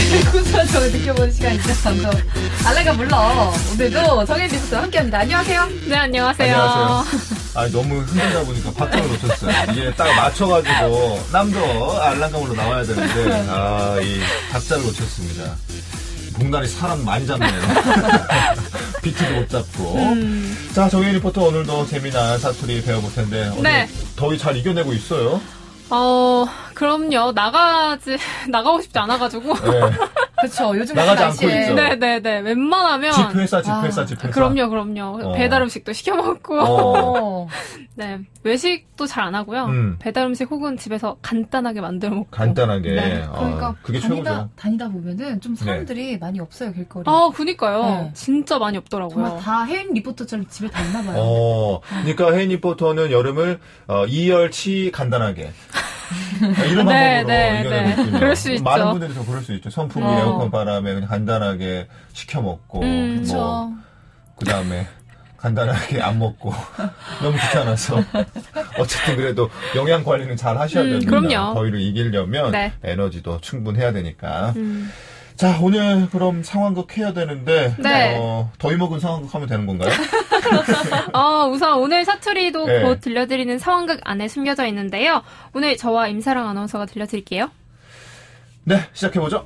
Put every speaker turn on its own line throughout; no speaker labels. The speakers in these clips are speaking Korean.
구수한 정을 느껴보는 시간이죠. 방송 알라가 물러. 오늘도 정혜리부터 함께합니다. 안녕하세요.
네, 안녕하세요.
아, 너무 흔들다 보니까 박자를 놓쳤어요. 이게 딱 맞춰가지고 남도 알랑감으로 나와야 되는데 이 박자를 놓쳤습니다. 봉다리 사람 많이 잡네요. 비트도 못 잡고. 자, 정혜 리포터 오늘도 재미난 사투리 배워볼 텐데 오늘
네.
더위 잘 이겨내고 있어요?
그럼요. 나가고 싶지 않아가지고.
네.
그렇죠. 요즘
나가지
날씨에.
않고 있죠.
네네네. 웬만하면.
집회사.
그럼요. 배달 음식도 시켜 먹고. 네. 외식도 잘 안 하고요. 배달 음식 혹은 집에서 간단하게 만들어 먹고.
간단하게.
네.
그러니까
그게 최고죠.
다니다 보면은 좀 사람들이 많이 없어요, 길거리.
그니까요.
네.
진짜 많이 없더라고요.
정말 다 혜인 리포터처럼 집에 다 있나 봐요.
그러니까 혜인 리포터는 여름을 이열치 간단하게. 이런 방법으로 이겨내고
그럴 수 있죠.
많은 분들이 더 그럴 수 있죠. 선풍기, 에어컨 바람에 그냥 간단하게 시켜 먹고,
그렇죠.
그 다음에 간단하게 안 먹고 너무 귀찮아서 어쨌든 그래도 영양 관리는 잘 하셔야 됩니다.
그럼요.
더위를 이기려면
네.
에너지도 충분해야 되니까. 자, 오늘 그럼 상황극 해야 되는데
네.
더위 먹은 상황극 하면 되는 건가요?
우선 오늘 사투리도
네.
곧 들려드리는 상황극 안에 숨겨져 있는데요. 오늘 저와 임사랑 아나운서가 들려드릴게요.
네, 시작해보죠.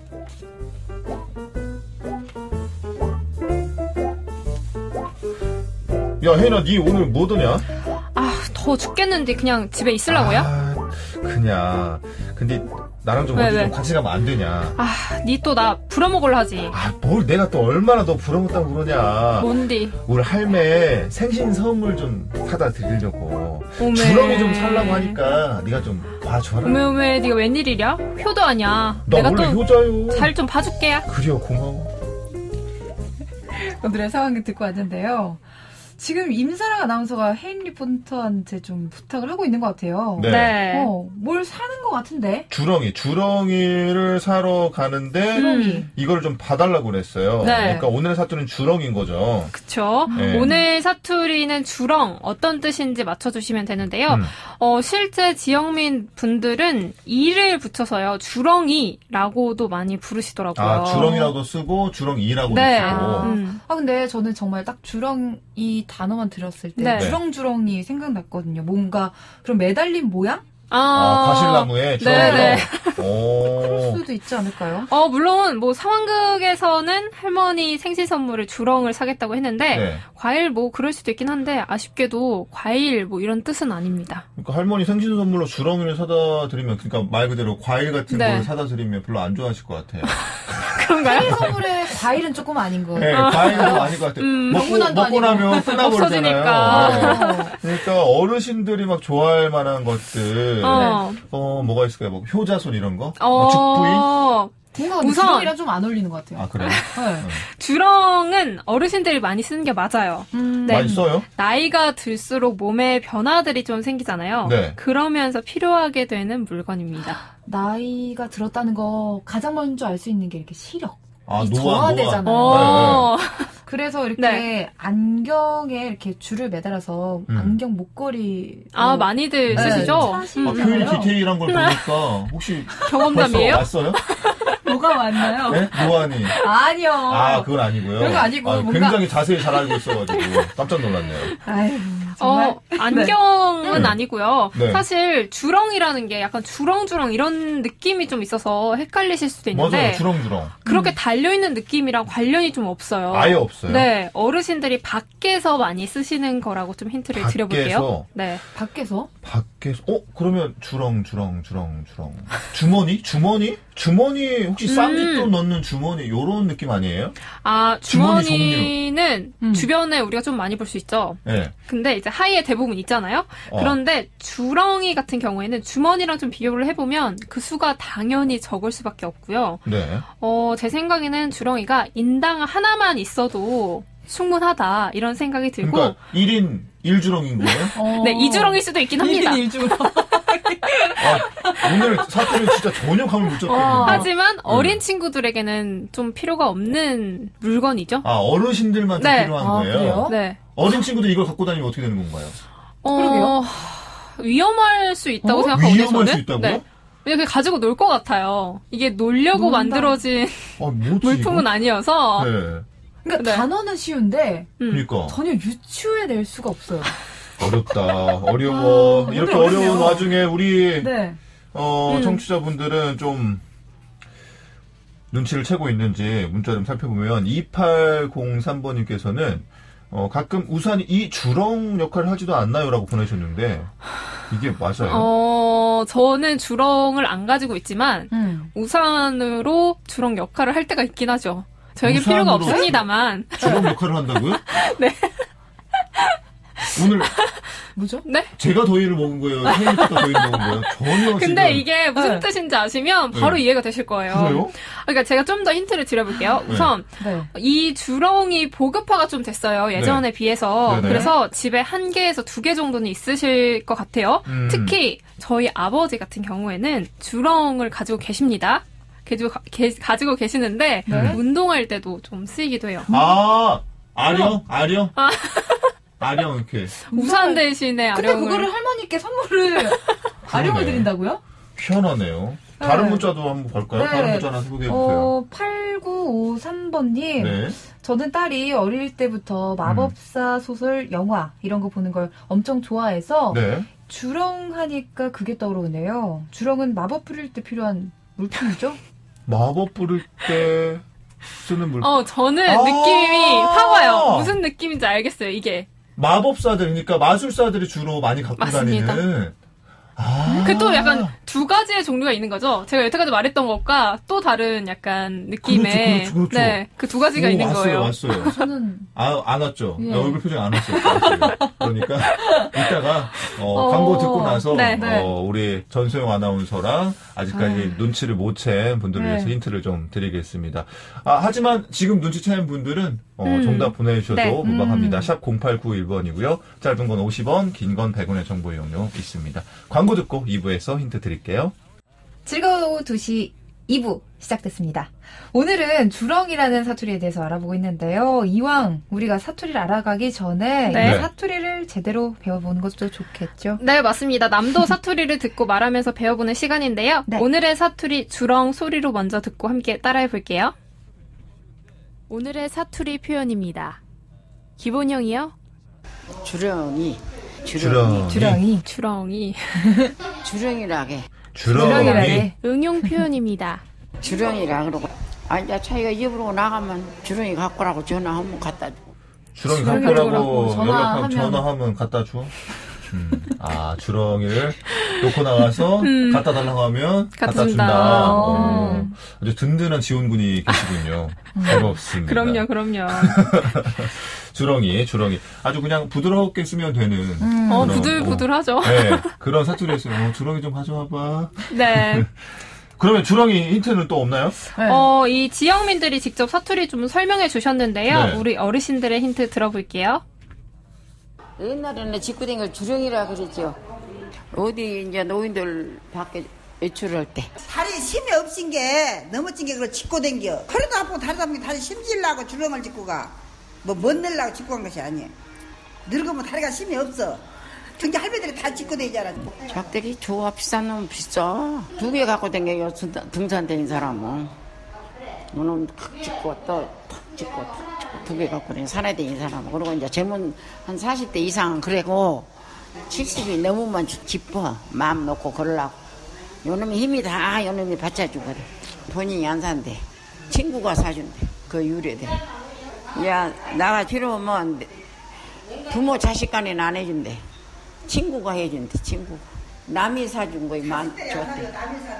야, 혜인아, 니 오늘 뭐 하더냐?
더워 죽겠는데 그냥 집에 있으려고요?
그냥. 근데 나랑 좀 어디 좀 같이 가면 안 되냐?
니 또 나 부려먹으려 하지.
뭘 내가 또 얼마나 너 부러웠다고 그러냐?
뭔디?
우리 할매 생신 선물 좀 사다 드리려고.
오메.
주렁이 좀 살라고 하니까 네가 좀 봐줘라.
오메 네가 웬일이랴? 효도 아니야.
나
내가
원래
또
효자요.
잘 좀 봐줄게.
그래요, 고마워.
오늘의 상황을 듣고 왔는데요. 지금 임사랑 아나운서가 혜인 리포터한테 좀 부탁을 하고 있는 것 같아요.
네.
뭘 사는 것 같은데?
주렁이를 사러 가는데
주렁이.
이걸 좀 봐달라고 그랬어요.
네.
그러니까 오늘의 사투리는 주렁인 거죠.
그쵸.
네.
오늘 사투리는 주렁, 어떤 뜻인지 맞춰주시면 되는데요. 실제 지역민 분들은 이를 붙여서요, 주렁이라고도 많이 부르시더라고요.
주렁이라고 쓰고 주렁이라고도
네.
쓰고.
근데 저는 정말 딱 주렁이 단어만 들었을 때
네.
주렁주렁이 생각났거든요. 뭔가 그런 매달린 모양?
과실나무에 주렁이로.
네네.
그럴 수도 있지 않을까요?
물론 뭐 상황극에서는 할머니 생신 선물을 주렁을 사겠다고 했는데
네.
과일 뭐 그럴 수도 있긴 한데 아쉽게도 과일 뭐 이런 뜻은 아닙니다.
그러니까 할머니 생신 선물로 주렁이를 사다 드리면, 그러니까 말 그대로 과일 같은
네.
걸 사다 드리면 별로 안 좋아하실 것 같아요.
그런가요?
생일 선물에 과일은 조금 아닌 거예요.
네, 과일은 아닐 것 같아요.
명문안도
먹고 나면 끝나버리잖아요.
없어지니까.
네. 그러니까 어르신들이 막 좋아할 만한 것들. 뭐가 있을까요? 뭐 효자손 이런 거? 죽부인?
뭔가
우선
주렁이랑 좀 안 어울리는 것 같아요.
그래요?
네.
주렁은 어르신들이 많이 쓰는 게 맞아요. 네.
많이 써요?
나이가 들수록 몸에 변화들이 좀 생기잖아요.
네.
그러면서 필요하게 되는 물건입니다.
나이가 들었다는 거 가장 먼저 알 수 있는 게 이렇게 시력. 이
노화.
저하되잖아요.
네.
그래서 이렇게
네.
안경에 이렇게 줄을 매달아서 안경 목걸이.
많이들 쓰시죠?
표현이 디테일한 걸 보니까 혹시
경험담이에요?
벌써 왔어요?
뭐가 왔나요?
네? 노안이.
아니요.
그건 아니고요.
그런 거 아니고 뭔가-
굉장히 자세히 잘 알고 있어가지고 깜짝 놀랐네요.
아유, 정말.
안경은
네.
아니고요.
네.
사실 주렁이라는 게 약간 주렁주렁 이런 느낌이 좀 있어서 헷갈리실 수도 있는데
맞아요. 주렁주렁.
그렇게 달려있는 느낌이랑 관련이 좀 없어요.
아예 없어요.
네, 어르신들이 밖에서 많이 쓰시는 거라고 좀 힌트를 드려볼게요. 네.
밖에서?
그러면 주렁. 주머니? 혹시 쌈짓돈 넣는 주머니, 요런 느낌 아니에요? 주머니
주머니는 주변에 우리가 좀 많이 볼 수 있죠.
네.
근데 이제 하의에 대부분 있잖아요. 그런데 주렁이 같은 경우에는 주머니랑 좀 비교를 해보면 그 수가 당연히 적을 수밖에 없고요.
네.
제 생각에는 주렁이가 인당 하나만 있어도 충분하다 이런 생각이 들고
그러니까 1인 1주렁인 거예요?
네, 2주렁일 수도 있긴 합니다.
1주렁.
오늘 사건은 진짜 전혀 감을 못 잡겠는데.
하지만 어린 친구들에게는 좀 필요가 없는 물건이죠.
어르신들만
네.
필요한 거예요?
그래요?
네.
어린 친구들 이걸 갖고 다니면 어떻게 되는 건가요?
그러게요.
위험할 수 있다고 생각하거든요.
위험할
저는.
수 있다고요?
네. 그냥 가지고 놀 것 같아요. 이게 놀려고 만들어진 물품은 아니어서.
네.
그러니까 단어는 쉬운데
그러니까.
전혀 유추해낼 수가 없어요.
어렵다. 어려워. 이렇게 어려운 와중에 우리 청취자분들은 좀 눈치를 채고 있는지 문자 좀 살펴보면 2803번님께서는 가끔 우산이 이 주렁 역할을 하지도 않나요라고 보내셨는데 이게 맞아요?
저는 주렁을 안 가지고 있지만 우산으로 주렁 역할을 할 때가 있긴 하죠. 저에게 필요가 없습니다만.
주렁 역할을 한다고요?
네.
오늘
뭐죠?
네?
제가 더위를 먹은 거예요? 헤이리가 더위를 먹은 거예요? 전혀.
근데
지금.
이게 무슨 뜻인지 아시면 바로 이해가 되실 거예요.
그래요?
그러니까 제가 좀 더 힌트를 드려볼게요. 우선 이 주렁이 보급화가 좀 됐어요. 예전에 비해서.
네네.
그래서 집에 1개에서 2개 정도는 있으실 것 같아요. 특히 저희 아버지 같은 경우에는 주렁을 가지고 계십니다. 가지고 계시는데 운동할 때도 좀 쓰이기도 해요.
아령? 아령 이렇게.
우산 대신에 아령을.
근데 그거를 할머니께 선물을 아령을 드린다고요?
희한하네요. 다른 문자도 한번 볼까요? 다른 문자 하나 소개해주세요.
8953번님.
네.
저는 딸이 어릴 때부터 마법사 소설, 영화 이런 거 보는 걸 엄청 좋아해서 주렁 하니까 그게 떠오르네요. 주렁은 마법 부릴 때 필요한 물품이죠?
마법 부릴 때 쓰는 물품.
저는 느낌이 확 와요. 무슨 느낌인지 알겠어요, 이게.
마법사들, 그러니까 마술사들이 주로 많이 갖고 다니는.
그 또 약간 두 가지의 종류가 있는 거죠. 제가 여태까지 말했던 것과 또 다른 약간 느낌의.
그렇죠.
네, 그 두 가지가 있는 거예요.
왔어요.
저는
안 왔죠. 얼굴 표정 안 왔어요. 그러니까 이따가 광고 듣고 나서 우리 전소영 아나운서랑 아직까지 눈치를 못 챈 분들을 위해서 힌트를 좀 드리겠습니다. 하지만 지금 눈치챈 분들은 정답 보내주셔도 무방합니다. 샵 0891번이고요. 짧은 건 50원, 긴 건 100원의 정보 이용료 있습니다. 광고 듣고 2부에서 힌트 드릴게요.
즐거운 오후 2시 2부 시작됐습니다. 오늘은 주렁이라는 사투리에 대해서 알아보고 있는데요. 이왕 우리가 사투리를 알아가기 전에 사투리를 제대로 배워보는 것도 좋겠죠?
네, 맞습니다. 남도 사투리를 듣고 말하면서 배워보는 시간인데요. 오늘의 사투리 주렁 소리로 먼저 듣고 함께 따라해볼게요. 오늘의 사투리 표현입니다. 기본형이요?
주렁이.
주렁이라게.
응용 표현입니다.
주렁이라 그러고. 이제 자기가 입으로 나가면 주렁이 갖고 라고 전화하면 갖다 줘.
주렁이 갖고 라고 전화하면 갖다 줘? 주렁이를 놓고 나가서 갖다 달라고 하면 갖다 준다. 아주 든든한 지원군이 계시군요. 반갑습니다.
그럼요.
주렁이. 아주 그냥 부드럽게 쓰면 되는.
부들부들하죠.
네. 그런 사투리에서 주렁이 좀 가져와봐.
네.
그러면 주렁이 힌트는 또 없나요?
이 지역민들이 직접 사투리 좀 설명해 주셨는데요. 우리 어르신들의 힌트 들어볼게요.
옛날에는 직구댕이를 주렁이라 그랬죠. 어디 이제 노인들 밖에 외출할 때.
다리 힘이 없인 게 넘어진 게 그걸 짚고 댕겨. 허리도 아프고 다리도 아프고 다리 힘질라고 주렁을 짚고 가. 못 내려고 짚고 간 것이 아니에요. 늙으면 다리가 힘이 없어. 근데 할머니들이 다 짚고 다니잖아.
작대기 좋아. 비싼 놈은 비싸. 2개 갖고 댕겨요. 등산 다니는 사람은. 너는 탁 짚고 또 탁 짚고 탁 짚고 2개 갖고 다니는 산에 다니는 사람은. 그리고 이제 젊은 한 40대 이상은 그래고 70이 넘으면 짚어. 마음 놓고 걸으려고. 요놈이 힘이 다 요놈이 받쳐주거든. 본인이 안 산대. 친구가 사준대. 그 유래대. 야, 나가 필요하면 부모 자식 간에는 안 해준대. 친구가 해준대, 친구가. 남이 사준 거에 줬대.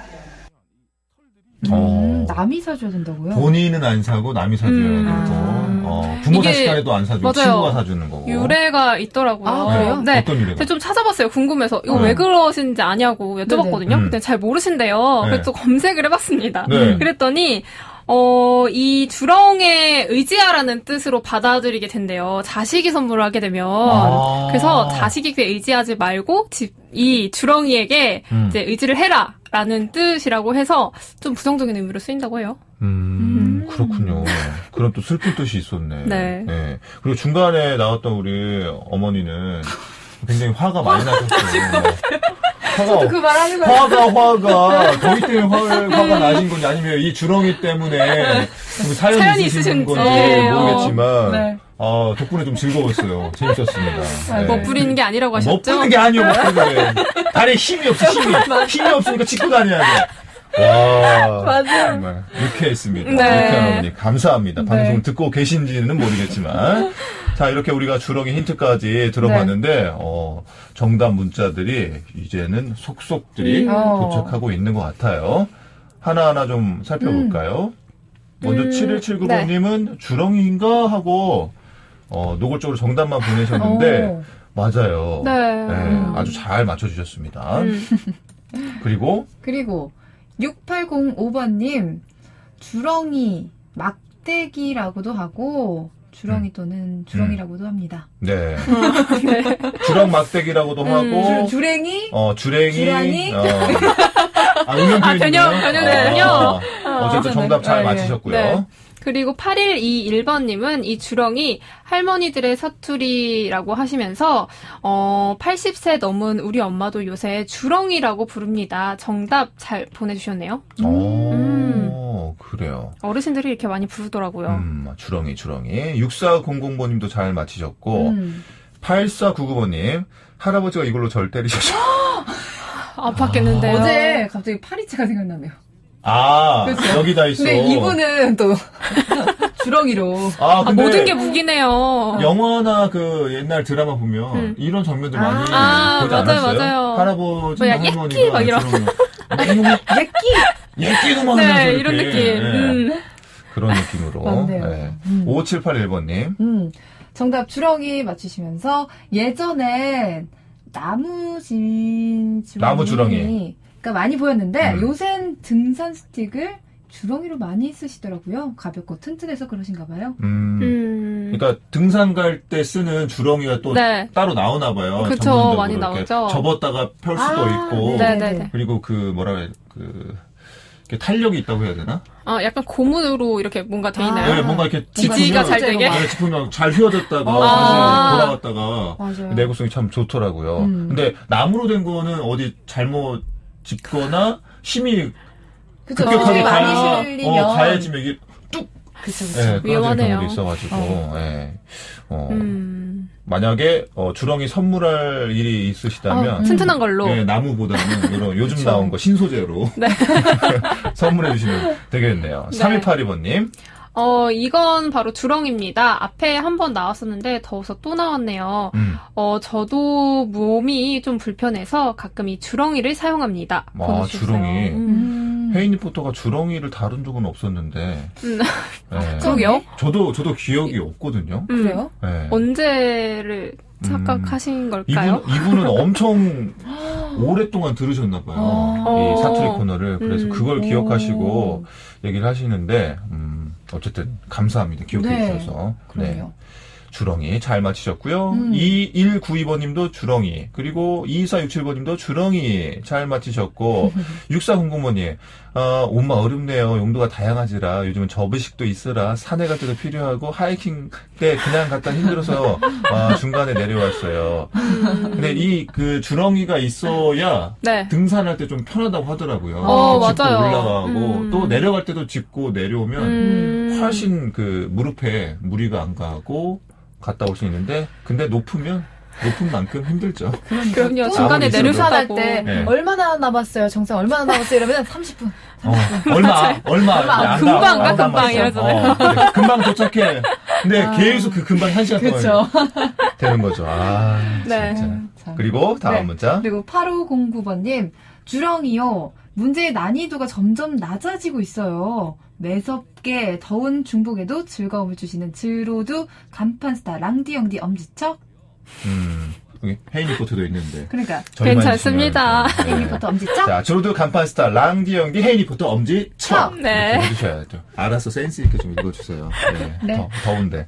남이 사줘야 된다고요?
본인은 안 사고 남이 사줘야 되고 부모 자식 간에도 안 사주고 친구가 사주는 거고.
유래가 있더라고요.
그래요?
네.
어떤 유래가?
제가 좀 찾아봤어요. 궁금해서. 이거 왜 그러신지 아냐고 여쭤봤거든요. 근데 잘 모르신대요. 그래서 또 검색을 해봤습니다. 그랬더니 이 주렁에 의지하라는 뜻으로 받아들이게 된대요. 자식이 선물을 하게 되면. 그래서 자식에게 의지하지 말고 이 주렁이에게 이제 의지를 해라. 라는 뜻이라고 해서 좀 부정적인 의미로 쓰인다고 해요.
그렇군요. 그런 또 슬픈 뜻이 있었네. 네. 그리고 중간에 나왔던 우리 어머니는 굉장히 화가 많이 나셨어요.
저도 그 말 하는 거예요.
화가 거기 때문에 화가 나신 건지 아니면 이 주렁이 때문에 사연이 있으신 건지 모르겠지만
네.
덕분에 좀 즐거웠어요. 재밌었습니다.
뭐 부리는 게 아니라고 하셨죠?
뭐 부리는 게 아니요. 다리에 힘이 없어. 힘이 없으니까 짚고 다녀야 돼. 와,
맞아요.
정말 유쾌했습니다.
네.
유쾌한 어머니 감사합니다.
네.
방송 듣고 계신지는 모르겠지만 자 이렇게 우리가 주렁이 힌트까지 들어봤는데
네.
정답 문자들이 이제는 속속들이 도착하고 있는 것 같아요. 하나하나 좀 살펴볼까요? 먼저 7179번님은 네. 주렁이인가 하고 노골적으로 정답만 보내셨는데 맞아요.
네.
네, 아주 잘 맞춰주셨습니다. 그리고
6805번님 주렁이 막대기라고도 하고 주렁이 또는 주렁이라고도 합니다.
네. 네. 주렁 막대기라고도 하고
주랭이
주랭이
변형되군요.
어쨌든 정답 잘 맞히셨고요.
네. 그리고 8121번님은 이 주렁이 할머니들의 사투리라고 하시면서 80세 넘은 우리 엄마도 요새 주렁이라고 부릅니다. 정답 잘 보내주셨네요.
그래요.
어르신들이 이렇게 많이 부르더라고요.
주렁이. 6400번님도 잘 맞히셨고 8499번님 할아버지가 이걸로 절 때리셨죠.
아팠겠는데요.
어제 갑자기 파리채가 생각나네요.
그렇죠? 여기다 있어.
근데 이분은 또 주렁이로.
근데
모든 게 무기네요.
영화나 그 옛날 드라마 보면 이런 장면들 많이 보지 않았어요?
맞아요.
할아버지, 할머니가
예끼 막 이런.
예끼도 막
네,
하면서
이런
이렇게.
느낌.
네. 그런 느낌으로. 네. 5781번님.
정답 주렁이 맞추시면서 예전엔 나무 주렁이. 그러니까 많이 보였는데 요샌 등산 스틱을 주렁이로 많이 쓰시더라고요. 가볍고 튼튼해서 그러신가 봐요.
그러니까 등산 갈 때 쓰는 주렁이가 또
네.
따로 나오나 봐요.
그쵸, 많이 나오죠.
접었다가 펼 수도 있고.
네네네.
그리고 탄력이 있다고 해야 되나?
약간 고무로 이렇게 뭔가 돼 있나요?
네, 뭔가 이렇게
지지가 잘 되게.
짚으면 잘 휘어졌다가 다시 돌아갔다가
맞아요.
내구성이 참 좋더라고요. 근데 나무로 된 거는 어디 잘못 짚거나 힘이 급격하게
많이 실리면
가해지면 이게 뚝.
그쵸.
네,
위험하네요.
경우도 있어가지고. 네. 만약에 주렁이 선물할 일이 있으시다면
튼튼한 걸로.
네, 나무보다는 이런 요즘 나온 거 신소재로
네.
선물해 주시면 되겠네요.
네.
3182번님.
이건 바로 주렁입니다. 앞에 한번 나왔었는데 더워서 또 나왔네요. 저도 몸이 좀 불편해서 가끔 이 주렁이를 사용합니다.
주렁이. 혜인 리포터가 주렁이를 다룬 적은 없었는데.
네. 그러게요.
저도 기억이 없거든요.
그래요?
네.
언제를 착각하신 걸까요?
이분은 엄청 오랫동안 들으셨나봐요. 이 사투리 코너를. 그래서 그걸 기억하시고 얘기를 하시는데, 어쨌든 감사합니다. 기억해 주셔서.
네.
주렁이 잘 맞히셨고요. 2192번님도 주렁이, 그리고 2467번님도 주렁이 잘 맞히셨고 6400번님 엄마 어렵네요. 용도가 다양하지라 요즘은 접이식도 있으라 산에 갈 때도 필요하고 하이킹 때 그냥 갔다 힘들어서 중간에 내려왔어요. 근데 그 주렁이가 있어야
네.
등산할 때 좀 편하다고 하더라고요. 짚고
맞아요.
올라가고 또 내려갈 때도 짚고 내려오면 훨씬 그 무릎에 무리가 안 가고 갔다 올 수 있는데 근데 높은 만큼 힘들죠.
그럼요. 중간에 내려가다고.
때
네.
얼마나 남았어요? 정상 얼마나 남았어요? 이러면 30분.
얼마
금방 가 금방 이러잖아요.
네, 금방 도착해. 근데 계속 그 금방 1시간 동안 되는 거죠.
네.
진짜. 그리고 다음 문자.
그리고 8509번님 주렁이요. 문제의 난이도가 점점 낮아지고 있어요. 매섭게 더운 중복에도 즐거움을 주시는 즈로드 간판 스타 랑디영디 엄지척.
여기 혜인 리포터도 있는데.
그러니까
괜찮습니다.
혜인 리포터 엄지척.
자, 즈로드 간판 스타 랑디영디 혜인 리포터 엄지척.
네.
해주셔야 돼요. 알아서 센스 있게 좀 읽어주세요. 네. 더운데.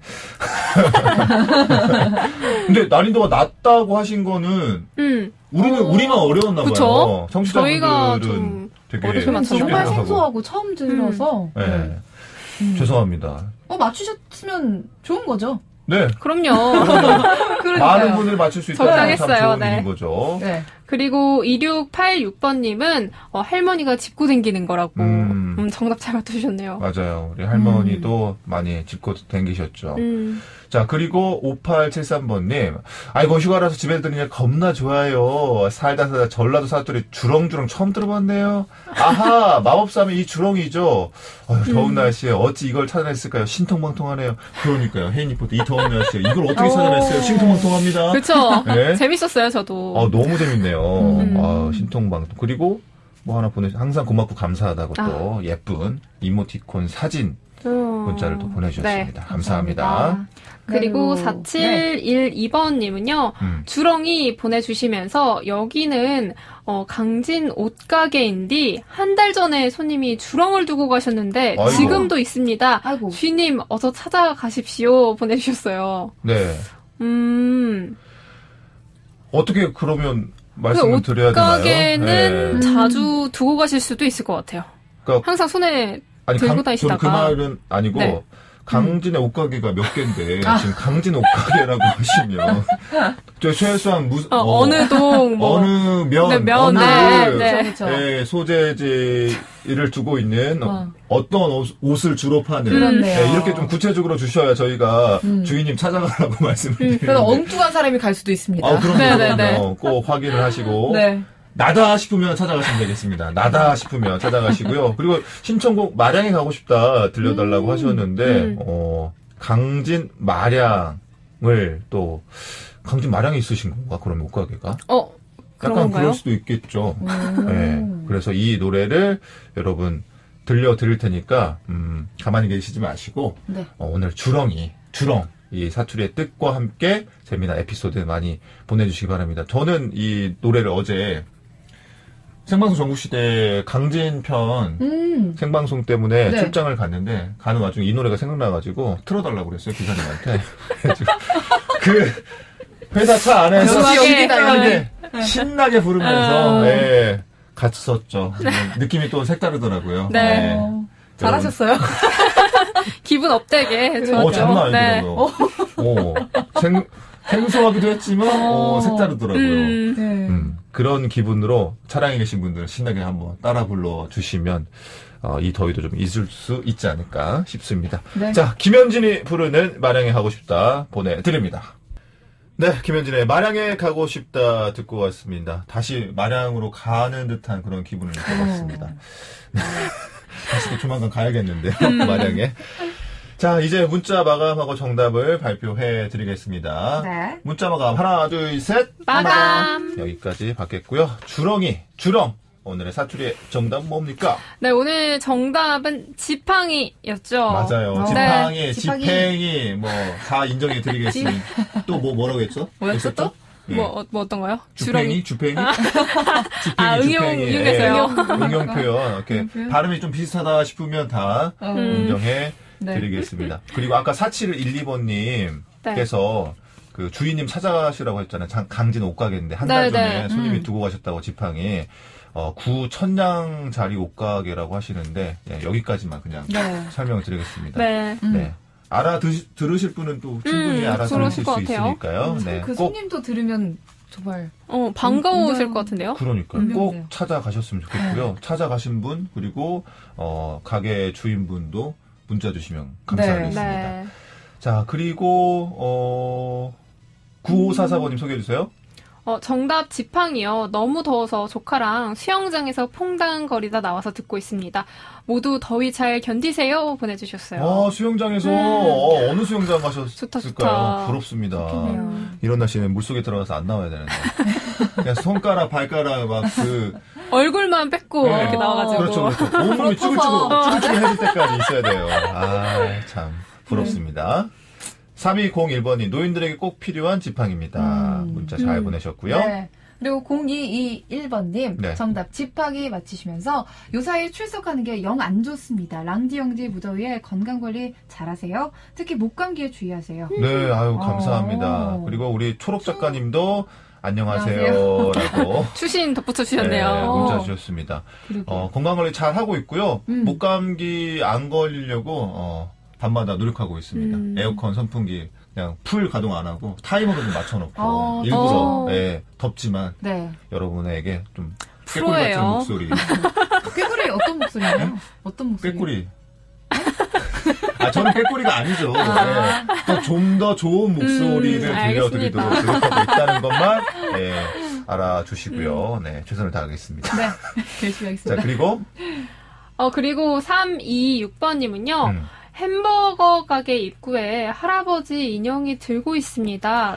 근데 난이도가 낮다고 하신 거는 우리만 어려웠나 봐요.
그쵸? 저희가
청취자분들은
좀
되게
어렵게 맞춰서
정말 생소하고 처음 들어서.
죄송합니다.
맞추셨으면 좋은 거죠.
네.
그럼요.
많은 분들이 맞출 수 있다는 참 좋은
네.
일인 거죠.
네. 그리고 2686번님은 할머니가 짚고 댕기는 거라고 정답 잘 맞추셨네요.
맞아요. 우리 할머니도 많이 짚고 댕기셨죠. 자, 그리고 5873번님. 아이고, 휴가라서 집에 들으니까 겁나 좋아요. 살다 전라도 사투리 주렁주렁 처음 들어봤네요. 아하, 마법사면 이 주렁이죠. 더운 날씨에 어찌 이걸 찾아냈을까요? 신통방통하네요. 그러니까요. 혜인리포터 이 더운 날씨에 이걸 어떻게 찾아냈어요? 신통방통합니다.
그렇죠. 네? 재밌었어요, 저도.
너무 재밌네요. 신통방통. 그리고 뭐 하나 항상 고맙고 감사하다고 또 예쁜 이모티콘 사진 문자를 또 보내주셨습니다.
네,
감사합니다.
그리고 4712번님은요, 주렁이 보내주시면서 여기는 강진 옷가게인데 한 달 전에 손님이 주렁을 두고 가셨는데 아이고. 지금도 있습니다. 아이고. 주인님 어서 찾아가십시오 보내주셨어요.
네. 어떻게 그러면 말씀을 드려야 되나요?
옷가게는 자주 두고 가실 수도 있을 것 같아요. 그러니까 항상 손에 들고 다니시다가.
그 말은 아니고
네.
강진의 옷가게가 몇 개인데 지금 강진 옷가게라고 하시면 최소한
어느 동
어느 면 어느 소재지를 두고 있는 어떤 옷을 주로 파는 이렇게 좀 구체적으로 주셔야 저희가 주인님 찾아가라고 말씀을 드리는데
그래서 엉뚱한 사람이 갈 수도 있습니다.
그럼요. 꼭 확인을 하시고
네.
나다 싶으면 찾아가시면 되겠습니다. 나다 싶으면 찾아가시고요. 그리고 신청곡 마량에 가고 싶다 들려달라고 하셨는데 강진 마량을 또 강진 마량에 있으신 건가? 그러면 옷가게가? 약간 그럴 수도 있겠죠. 네. 그래서 이 노래를 여러분 들려드릴 테니까 가만히 계시지 마시고 네. 오늘 주렁 이 사투리의 뜻과 함께 재미난 에피소드 많이 보내주시기 바랍니다. 저는 이 노래를 어제 생방송 전국시대 강진편 생방송 때문에 네. 출장을 갔는데 가는 와중에 이 노래가 생각나가지고 틀어달라고 그랬어요 기사님한테. 그 회사 차 안에서 신나게 부르면서 같이 썼죠. 느낌이 또 색다르더라고요.
네.
잘하셨어요.
기분 업되게 좋았죠.
장난 아니더라고요. 생소하기도 했지만 색다르더라고요. 그런 기분으로 차량에 계신 분들은 신나게 한번 따라 불러주시면 이 더위도 좀 잊을 수 있지 않을까 싶습니다. 네. 자, 김현진이 부르는 마량에 가고 싶다 보내드립니다. 네, 김현진의 마량에 가고 싶다 듣고 왔습니다. 다시 마량으로 가는 듯한 그런 기분을 느껴봤습니다. 다시 또 조만간 가야겠는데요, 마량에. 자, 이제 문자 마감하고 정답을 발표해 드리겠습니다. 네. 문자 마감 하나, 둘, 셋.
마감.
여기까지 받겠고요. 주렁. 오늘의 사투리의 정답은 뭡니까?
네, 오늘 정답은 지팡이였죠.
맞아요. 지팡이, 다 인정해 드리겠습니다. 또 뭐라고 했죠?
뭐였죠 또? 네. 뭐 어떤 거요?
주팽이?
응용해서요.
응용 표현. 이렇게 발음이 좀 비슷하다 싶으면 다 인정해 드리겠습니다. 그리고 아까 4712번님께서 그 주인님 찾아가시라고 했잖아요. 강진 옷가게인데 한 달 전에 손님이 두고 가셨다고 지팡이. 구천냥자리 옷가게라고 하시는데 여기까지만 그냥 설명을 드리겠습니다. 네. 들으실 분은 또 충분히 알아들으실 수 있으니까요.
네. 그 손님도 들으면 정말
반가우실 것 같은데요.
그러니까요. 꼭 찾아가셨으면 좋겠고요. 찾아가신 분 그리고 가게 주인분도 문자 주시면 감사하겠습니다. 네. 자, 그리고 9544번님 소개해 주세요.
정답 지팡이요. 너무 더워서 조카랑 수영장에서 퐁당거리다 나와서 듣고 있습니다. 모두 더위 잘 견디세요 보내주셨어요.
수영장에서 어느 수영장 가셨을까요?
좋다.
부럽습니다. 좋겠네요. 이런 날씨는 물속에 들어가서 안 나와야 되는데 그냥 손가락 발가락 막
얼굴만 뺏고 이렇게 나와가지고
그렇죠. 온몸이 쭈글쭈글 해질 때까지 있어야 돼요. 참 부럽습니다. 3201번이 노인들에게 꼭 필요한 지팡이입니다. 문자 잘 보내셨고요.
네. 그리고 0221번님 정답 지팡이 맞히시면서 요사이 출석하는 게 영 안 좋습니다. 랑디영지 무더위에 건강관리 잘하세요. 특히 목감기에 주의하세요.
네, 감사합니다. 그리고 우리 초록 작가님도 안녕하세요. 라고
추신 덧붙여 주셨네요.
네, 문자 주셨습니다. 건강관리 잘 하고 있고요. 목감기 안 걸리려고 밤마다 노력하고 있습니다. 에어컨, 선풍기 그냥 풀 가동 안 하고 타이머로 좀 맞춰놓고 일부러 덥지만 여러분에게 좀 꾀꼬리 같은 목소리.
꾀꼬리 어떤 목소리예요? 네? 어떤 목소리?
꾀꼬리. 저는 꾀꼬리가 아니죠. 좀 더 좋은 목소리를 들려드리도록 노력하고 있다는 것만 알아주시고요. 네, 최선을 다하겠습니다.
네, 열심히 하겠습니다.
자, 그리고
그리고 326번님은요. 햄버거 가게 입구에 할아버지 인형이 들고 있습니다.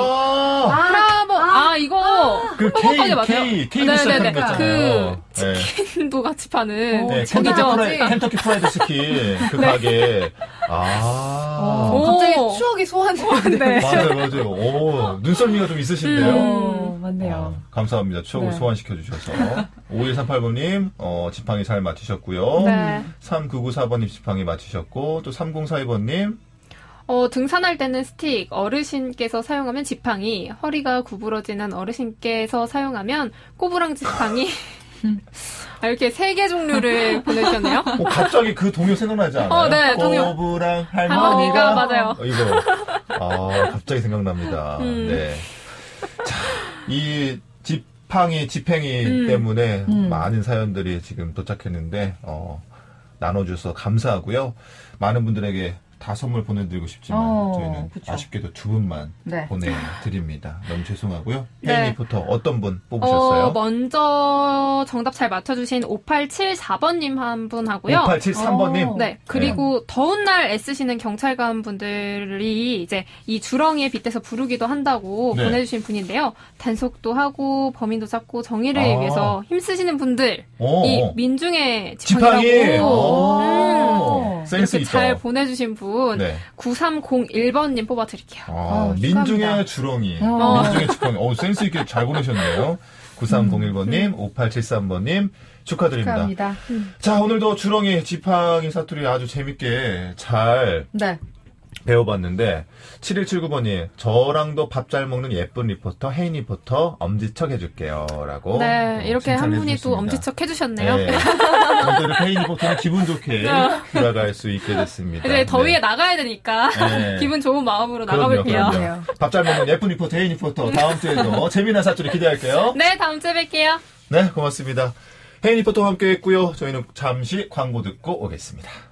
이거
그 K 시작하는 거 있잖아요.
치킨도 같이 파는
켄터키 프라이드 치킨 그 가게.
갑자기 추억이 소환되는데.
맞아요. 눈썰미가 좀 있으신데요.
맞네요.
감사합니다. 추억을 소환시켜 주셔서. 5138번님 지팡이 잘 맞추셨고요. 3994번님 지팡이 맞추셨고 또 3042번님
등산할 때는 스틱, 어르신께서 사용하면 지팡이, 허리가 구부러지는 어르신께서 사용하면 꼬부랑 지팡이. 이렇게 3개 종류를 보내주셨네요.
갑자기 그 동요 생각나지 않아요?
네, 동요.
꼬부랑 할머니가.
맞아요.
이거. 갑자기 생각납니다. 네. 자, 이 지팽이 때문에 많은 사연들이 지금 도착했는데, 나눠줘서 감사하고요. 많은 분들에게 다 선물 보내드리고 싶지만 저희는 아쉽게도 2분만 보내드립니다. 너무 죄송하고요. 혜인 리포터 어떤 분 뽑으셨어요?
먼저 정답 잘 맞춰주신 5874번님 한 분 하고요.
5873번님?
네. 그리고 더운 날 애쓰시는 경찰관 분들이 이제 이 주렁이에 빗대서 부르기도 한다고 보내주신 분인데요. 단속도 하고 범인도 잡고 정의를 위해서 힘쓰시는 분들 이 민중의 지팡이라고
센스
이렇게
있다.
잘 보내주신 분 9301번님 뽑아드릴게요.
민중의 주렁이. 민중의 지팡이. 센스 있게 잘 보내셨네요. 9301번님, 5873번님 축하드립니다. 자, 오늘도 주렁이, 지팡이 사투리 아주 재밌게 잘 배워봤는데 7179번이 저랑도 밥 잘 먹는 예쁜 리포터 혜인 리포터 엄지척 해줄게요 라고
이렇게 한 분이 또 엄지척 해주셨네요.
오늘도 이렇게 혜인 리포터는 기분 좋게 돌아갈 수 있게 됐습니다.
이제 더위에 나가야 되니까 기분 좋은 마음으로 나가볼게요.
밥 잘 먹는 예쁜 리포터 혜인 리포터 다음 주에도 재미난 사투리 기대할게요.
네, 다음 주에 뵐게요.
네, 고맙습니다. 혜인 리포터와 함께 했고요. 저희는 잠시 광고 듣고 오겠습니다.